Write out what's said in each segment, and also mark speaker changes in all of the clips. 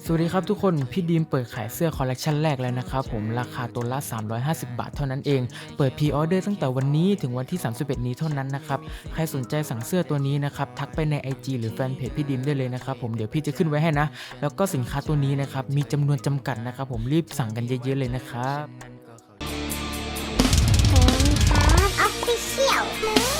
Speaker 1: สวัสดีครับทุกคนพี่ดีมเปิดขายเสื้อคอลเลกชันแรกแล้วนะครับผมราคาตัวละ350 บาทเท่านั้นเองเปิดพรีออเดอร์ตั้งแต่วันนี้ถึงวันที่31นี้เท่านั้นนะครับใครสนใจสั่งเสื้อตัวนี้นะครับทักไปใน IG หรือแฟนเพจพี่ดีมได้เลยนะครับผมเดี๋ยวพี่จะขึ้นไว้ให้นะแล้วก็สินค้าตัวนี้นะครับมีจำนวนจำกัดนะครับผมรีบสั่งกันเยอะๆเลยนะครับ
Speaker 2: ออฟฟิเชียล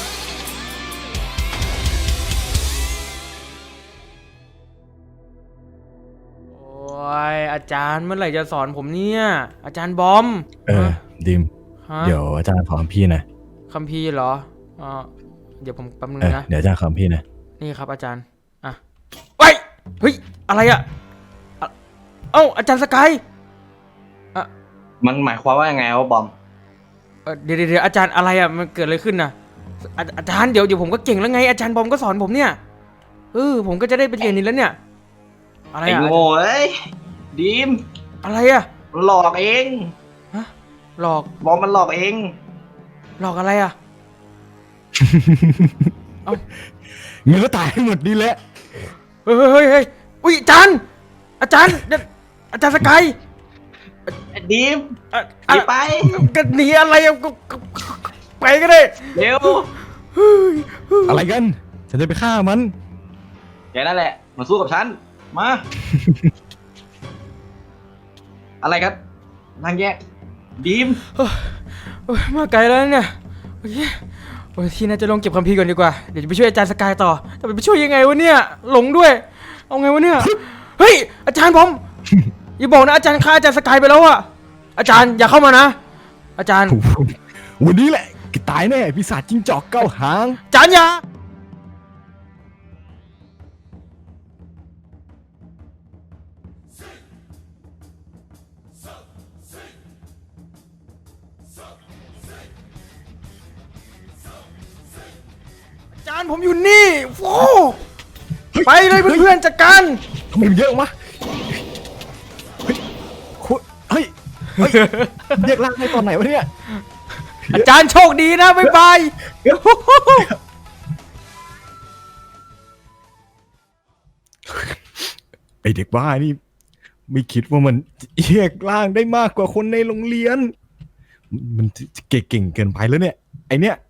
Speaker 1: โอ้ยอาจารย์เมื่อไหร่จะสอนผมเนี่ยอาจารย์บอม
Speaker 3: ดิม
Speaker 1: ฮะ
Speaker 3: เดี๋ยวอาจารย์ขอคำพี่หน่อย
Speaker 1: คัมภีร์เหรออ่าเดี๋ยวผมแป๊บนึงนะ
Speaker 3: เดี๋ยวอาจารย์ขอคำพี่หน่อย
Speaker 1: นี่ครับอาจารย์อ่ะเฮ้ยเฮ้ยอะไรอะอ่ะเอ้าอาจารย์สกายอ่ะ
Speaker 4: มันหมายความว่ายังไงวะบอม
Speaker 1: เดี๋ยวอาจารย์อะไรอะมันเกิดอะไรขึ้นนะอาจารย์เดี๋ยวผมก็เก่งแล้วไงอาจารย์บอมก็สอนผมเนี่ยผมก็จะได้ไปเรียนนี่แล้วเนี่ยอะไร
Speaker 4: ไอ้
Speaker 1: อะ
Speaker 4: โง่เอ้ยดีม
Speaker 1: อะไรอะ
Speaker 4: มันหลอกเอง
Speaker 1: ฮะหลอก
Speaker 4: บอมมันหลอกเอง
Speaker 1: หลอกอะไรอะเอ้า
Speaker 3: เงินก็ตายให้หมดนี่แหละ
Speaker 1: เฮ้ยอุ้ยอาจารย์อาจารย์อาจารย์สกาย
Speaker 4: ไอ้ดีม
Speaker 1: อ่ะ
Speaker 4: หนีไป
Speaker 1: ก็หนีอะไรอะก็ไปก็ได้
Speaker 4: เร็ว
Speaker 3: อะไรกันฉันจะไปฆ่ามัน
Speaker 4: แกนั่นแหละมาสู้กับฉันมา อะไรครับนางแยกดีม
Speaker 1: โอ้ยมาไกลแล้วเนี่ยโอ้ยที่น่าจะลงเก็บคัมภีร์ก่อนดีกว่าเดี๋ยวจะไปช่วยอาจารย์สกายต่อแต่ไปช่วยยังไงวะเนี่ยหลงด้วยเอาไงวะเนี่ยเฮ้ยอาจารย์ผมอย่าบอกนะอาจารย์ฆ่าอาจารย์สกายไปแล้วอะอาจารย์อย่าเข้ามานะอาจารย์
Speaker 3: วันนี้แหละแกตายแน่ปีศาจจิ้งจอกเก้าหาง
Speaker 1: อาจารย์อย่าอาจารย์ผมอยู่นี่โอ้ไปเลยเพื่อนๆจัดการ
Speaker 3: ทำไมมันเยอะมะเฮ้ยเฮ้ยเรียกร่างให้ตอนไหนวะเนี่ย
Speaker 1: อาจารย์โชคดีนะบ๊ายบาย
Speaker 3: ไอเด็กบ้านี่ไม่คิดว่ามันเรียกร่างได้มากกว่าคนในโรงเรียน มันเก่งเกินไปแล้วเนี่ยไอเนี้ย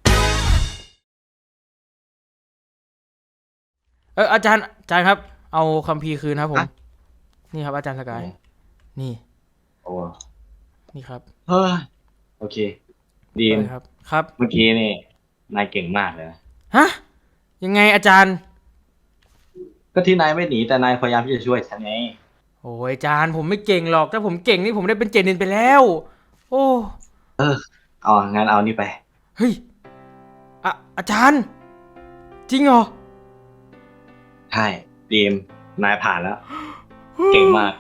Speaker 1: อาจารย์ครับเอาคัมภีร์คืนครับผมนี่ครับอาจารย์สกายนี่
Speaker 4: โอ้
Speaker 1: นี่ครับ
Speaker 4: เฮ้ยโอเคดีม
Speaker 1: ครับ
Speaker 4: เมื่อกี้นี่นายเก่งมากเลยนะ
Speaker 1: ฮะยังไงอาจารย์
Speaker 4: ก็ที่นายไม่หนีแต่นายพยายามที่จะช่วยฉันไง
Speaker 1: โอ้ยอาจารย์ผมไม่เก่งหรอกถ้าผมเก่งนี่ผมได้เป็นเจนินไปแล้ว โอ้
Speaker 4: เอางั้นเอานี่ไป
Speaker 1: เฮ้ยอาจารย์ จริงเหรอ
Speaker 4: ใช่ดีมนายผ่านแล้ว เก่งมาก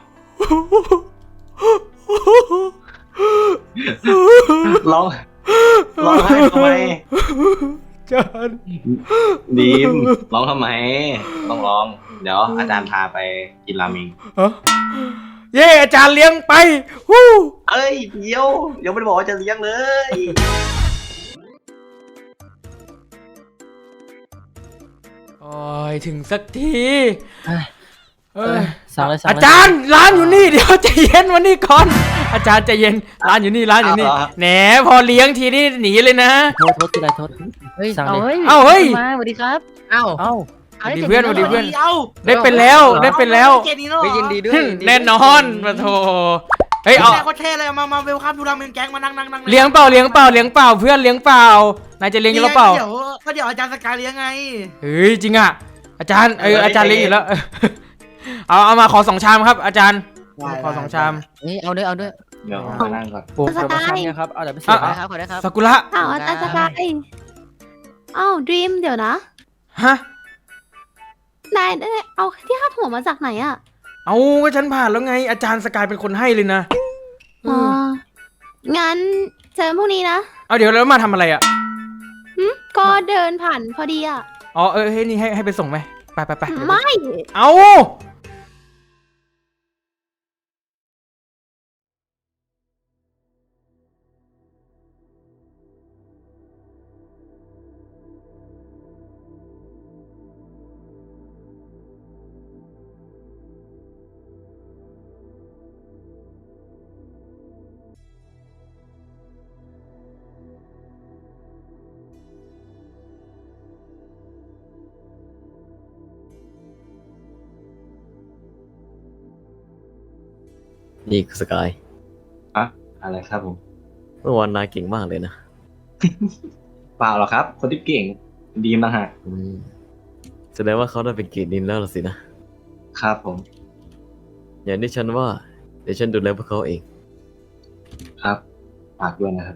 Speaker 4: ร้องไห้ทำไม
Speaker 1: อาจารย์
Speaker 4: ดีมร้องทำไมต้องร้อง เดี๋ยวอาจารย์พาไปกินราเมง
Speaker 1: ฮะเย้อาจารย์เลี้ยงไปฮู้
Speaker 4: เอ้ยเดี๋ยวไม่ได้บอกว่าจะเลี้ยงเลย
Speaker 1: โอ้ยถึงสักที
Speaker 5: สั่งเลย
Speaker 1: อาจารย์ร้านอยู่นี่เดี๋ยวใจเย็นวันนี้ก่อน อาจารย์ใจเย็นร้านอยู่นี่แหนพอเลี้ยงทีนี่หนีเลยนะ
Speaker 5: โทษทีไรโทษเฮ้ยสั่งเลย
Speaker 1: เอ้าเฮ้ย
Speaker 5: มาสวัสดีครับเอ้า
Speaker 1: สวัสดีเพื่อนได้เป็นแล้ว
Speaker 5: ยินดีด้วย
Speaker 1: แน่นอนมาโทเฮ้ยเอา
Speaker 6: แม่ก็เท่เลยมาเวลคัมดูราเมนแก๊งมานั่ง
Speaker 1: เลี้ยงเปล่าเพื่อนเลี้ยงเปล่านายจะเลี้ยงอยู่แล้วเปล่า
Speaker 6: เดี๋ยวอาจารย์สกายเลี้ยงไง
Speaker 1: เฮ้ยจริงอ่ะอาจารย์อาจารย์เลี้ยงอยู่แล้วเอามาขอ2 ชามครับ อาจารย์ขอ2 ชาม
Speaker 5: นี่เอาด้วย
Speaker 4: เดี๋ยวมานั่งก่อน
Speaker 1: ปุ๊บ
Speaker 2: สกาย
Speaker 5: เนี่ยครับเอาเดี๋ยวไปเสิร์ฟนะครับขอได้ครับ
Speaker 1: ซากุระ
Speaker 2: อ้าวอาจารย์สกายอ้าวดรีมเดี๋ยวนะ
Speaker 1: ฮะ
Speaker 2: นายได้เอาที่คาดหัวมาจากไหนอะ
Speaker 1: เอาก็ฉันผ่านแล้วไง อาจารย์สกายเป็นคนให้เลยนะ
Speaker 2: อ๋องั้นเจอพรุ่งนี้นะ
Speaker 1: เอาเดี๋ยวแล้วมาทำอะไรอ่ะ
Speaker 2: ก็เดินผ่านพอดีอะ
Speaker 1: อ๋อเฮ้ยนี่ให้ไปส่งไหมไป
Speaker 2: ไม่
Speaker 1: เอา
Speaker 7: นี่สกาย
Speaker 4: อะอะไรครับผม
Speaker 7: เมื่อวานนายเก่งมากเลยนะ
Speaker 4: เปล่าหรอกครับ คนที่เก่งดีมนะฮะ
Speaker 7: แสดงว่าเขาได้เป็นเกียรตินินแล้วล่ะสินะครับ
Speaker 4: ผม
Speaker 7: อย่างที่ฉันว่าเดี๋ยวฉันดูแลพวกเขาเอง
Speaker 4: ครับฝากด้วยนะครับ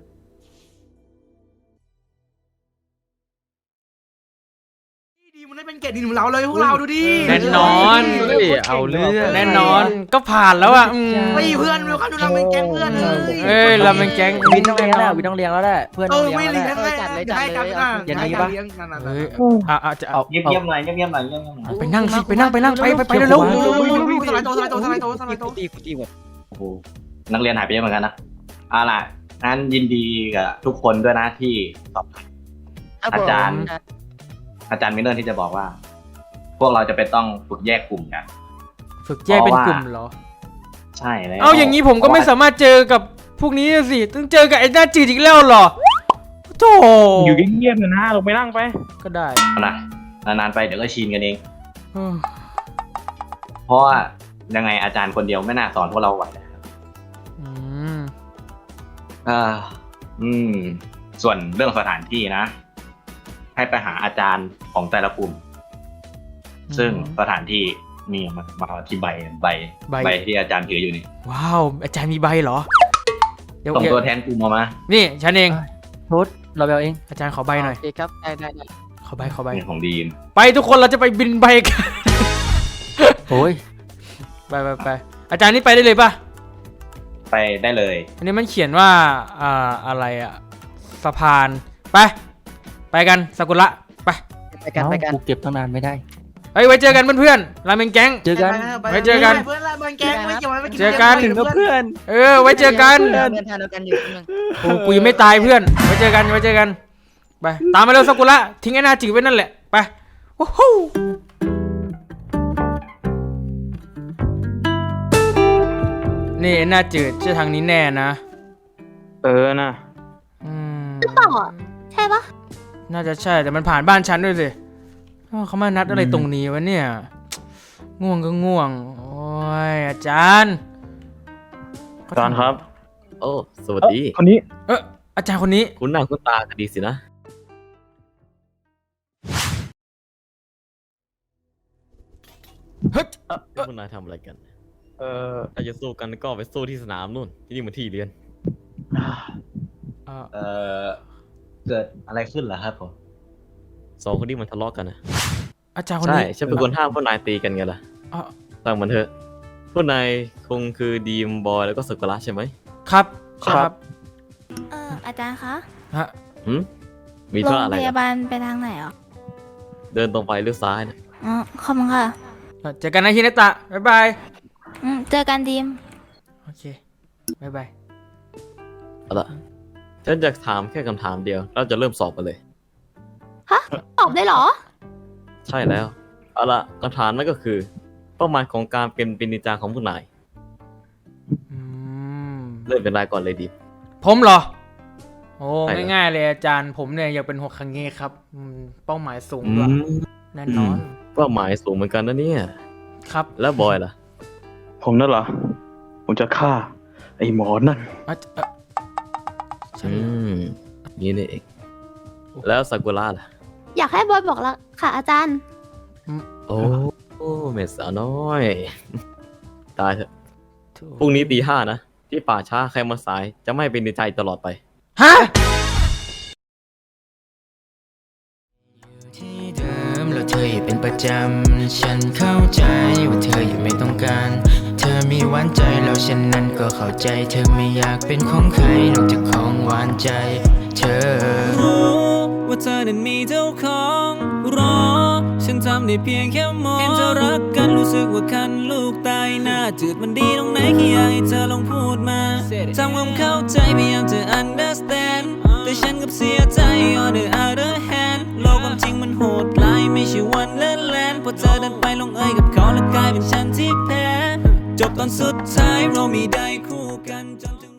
Speaker 6: ดีมันได้เป็นเกรดดีของเราเลยพวกเราดูดิ
Speaker 1: แน่นอน
Speaker 5: เฮ้ยเอาเรื่อง
Speaker 1: แน่นอนก็ผ่านแล้วอ่ะ
Speaker 6: ไม่เพื่อนเวลคัมทูราเมนแก๊งเพื่อนเลย
Speaker 1: เอ้ยเราเป็นแก๊ง
Speaker 5: วินต้องเลี้ยงแล้ววินต้องเลี้ยงแล้วแหละเพื่อน
Speaker 6: เอ
Speaker 5: ต้อง
Speaker 6: อ
Speaker 5: เลี้ยง
Speaker 6: ไม่
Speaker 5: แล้วแห
Speaker 6: เลี้ย
Speaker 5: ละ
Speaker 6: งเลยให้กันนะ
Speaker 5: อย่างนี้
Speaker 6: ให้
Speaker 5: ปะ
Speaker 6: กันเลี้ยงกันนะ
Speaker 1: เฮ้ยจะเอา
Speaker 4: เงียบๆหน่อยเงียบๆหน่อยเงียบๆหน่อย
Speaker 1: ไปนั่งสิไปนั่งไปเร็ว
Speaker 6: สไลด์โตสไลด์โตสไลด์โตสไลด์โต
Speaker 5: ตีหมด
Speaker 4: โอ้โหนักเรียนหายไปเยอะเหมือนกันนะเอาล่ะงั้นยินดีกับทุกคนด้วยนะที่สอบผ่าน อาจารย์มิลเลอร์ที่จะบอกว่า พวกเราจะไปต้องฝึกแยกกลุ่มกัน
Speaker 1: ฝึกแยกเป็นกลุ่มเหรอ
Speaker 4: ใช่แล้ว
Speaker 1: เอาอย่างนี้ผมก็ไม่สามารถเจอกับพวกนี้สิต้องเจอกับไอ้หน้าจืดอีกแล้วเหรอโธ่
Speaker 8: อยู่เงียบๆนะลงไปนั่งไป
Speaker 1: ก็ได้
Speaker 4: เอานะนานๆไปเดี๋ยวก็ชินกันเอง
Speaker 1: เออ
Speaker 4: เพราะว่ายังไงอาจารย์คนเดียวไม่น่าสอนพวกเราไหวนะครับ
Speaker 1: อืม
Speaker 4: อ่าส่วนเรื่องสถานที่นะ ให้ไปหาอาจารย์ของแต่ละกลุ่ม ซึ่งสถานที่นี่มาที่ใบที่อาจารย์ถืออยู่นี่
Speaker 1: ว้าวอาจารย์มีใบเหรอเดี๋ยว
Speaker 4: ส่งตัวแทนกลุ่มออกมา
Speaker 1: นี่ฉันเอง
Speaker 5: โทษเราเบลเอง
Speaker 1: อาจารย์ขอใบหน่อย
Speaker 5: โอเคครับได้
Speaker 1: ขอใบ
Speaker 4: นี่ของดีม
Speaker 1: ไปทุกคนเราจะไปบินใบกัน
Speaker 5: โอ้ย
Speaker 1: ไปอาจารย์นี่ไปได้เลยป่ะ
Speaker 4: ไปได้เลย
Speaker 1: อันนี้มันเขียนว่าอะไรอะสะพานไปกันซากุระไป
Speaker 5: ไปกันกูเก็บตั้งนานไม่ได้
Speaker 1: เฮ้ยไว้เจอกันเพื่อนๆราเมงแก๊ง
Speaker 5: เจอกัน
Speaker 1: ไว้เจอกัน
Speaker 6: เพื่อนละเพื่อนแก๊งไม่เกี่ยวไม่
Speaker 1: เจอกัน
Speaker 6: ถึงกับเพื่อน
Speaker 1: ไว้เจอกัน
Speaker 5: เดินทางเดียวกันอยู่นึง
Speaker 1: โอ้กูยังไม่ตายเพื่อนไว้เจอกันไปตามมาเร็วซากุระทิ้งไอ้หน้าจืดไว้นั่นแหละไปวู้ฮู้นี่ไอ้หน้าจืดใช่ทางนี้แน่นะ
Speaker 8: นะ
Speaker 1: อืม
Speaker 2: เปล่าอ่ะใช่ปะ
Speaker 1: น่าจะใช่แต่มันผ่านบ้านฉันด้วยสิอ้าวเขามานัดอะไรตรงนี้วะเนี่ย ง่วงก็ง่วง โอ้ยอาจารย์
Speaker 8: อาจารย์ครับ
Speaker 7: โอ้สวัสดี
Speaker 8: คนนี้
Speaker 1: อาจารย์คนนี้
Speaker 7: คุณหน้าคุณตากันดีสินะ
Speaker 1: เฮ้ย
Speaker 7: คุณนายทำอะไรกัน
Speaker 8: เอ่อ
Speaker 7: ถ้าจะสู้กันก็ไปสู้ที่สนามนู่นที่นี่มันที่เรียน
Speaker 4: เอ่อเกิดอะไรขึ้นเหรอครับผม
Speaker 7: สองคนนี้มันทะเลาะกันนะ
Speaker 1: อาจารย์คน
Speaker 7: ใช่
Speaker 1: นี้
Speaker 7: ฉันเป็นคนห้ามพวกนายตีกันไงล่ะ
Speaker 1: อ่ะ
Speaker 7: ตั้งมันเถอะพวกนายคงคือดีมบอยแล้วก็สกุระใช่ไหม
Speaker 1: ครับใช่ครับ
Speaker 2: อาจารย์คะ
Speaker 1: ฮะ
Speaker 7: มี
Speaker 2: โร
Speaker 7: ธุ
Speaker 2: ง
Speaker 7: ระอะไร
Speaker 2: พ
Speaker 7: เหรอย
Speaker 2: าาลไปทางไหนอ่ะ
Speaker 7: เดินตรงไปเลี้ยวซ้ายนะ
Speaker 2: อ๋อขอบคุณค่ะ
Speaker 1: เจอกันนะฮินาตะบ๊ายบาย
Speaker 2: เจอกันดีม
Speaker 1: โอเคบ๊ายบาย
Speaker 7: เอาละฉันจะถามแค่คำถามเดียวเราจะเริ่มสอบกันเลย
Speaker 2: ตอบได้เหรอ
Speaker 7: ใช่แล้ว เอาละคำถามนั่นก็คือ เป้าหมายของการเป็นนินจาของผู้นาย
Speaker 1: อืม
Speaker 7: เริ่มเป็นรายก่อนเลยดี
Speaker 1: ผมเหรอ โอ้
Speaker 7: ใช่ครับ
Speaker 1: ง่ายๆเลยอาจารย์ผมเนี่ยอยากเป็นโฮคังเงะครับเป้าหมายสูงด้วยแน่นอน
Speaker 7: เป้าหมายสูงเหมือนกันนะเนี่ย
Speaker 1: ครับ
Speaker 7: แล้วบอยล่ะ
Speaker 8: ผมนั่นเหรอ ผมจะฆ่า ไอ้หมอนั่น
Speaker 1: ฉัน
Speaker 7: นี่นี่เองแล้วซากุระล่ะ
Speaker 2: อยากให้บอยบอกละค่ะอาจารย์
Speaker 7: โอ้เมสาวน้อย ตายเถอะพรุ่งนี้ตี 5นะที่ป่าช้าใครมาสายจะไม่เป็นในใจตลอดไป
Speaker 1: ฮะ
Speaker 9: ที่เดิมแล้วเธออย่าเป็นประจำฉันเข้าใจว่าเธอยังไม่ต้องการ เธอมีหวานใจแล้วฉันนั้นก็เข้าใจ เธอไม่อยากเป็นของใครนอกจากของหวานใจ เธอรู้ว่าเธอนั้นมีเจ้าของรอฉันทำได้เพียงแค่มองเห็นเธอรักกันรู้สึกว่าคันลูกตายหน้าจืดมันดีตรงไหนแค่อยากให้เธอลองพูดมาทำความเข้าใจพยายามจะ understand แต่ฉันกับเสียใจ on the other hand โลกความจริงมันโหดร้ายไม่ใช่วันเล่นแลนพอเธอเดินไปลงเอยกับเขาแล้วกลายเป็นฉันที่แพ้จบตอนสุดท้ายเราไม่ได้คู่กันจนถึง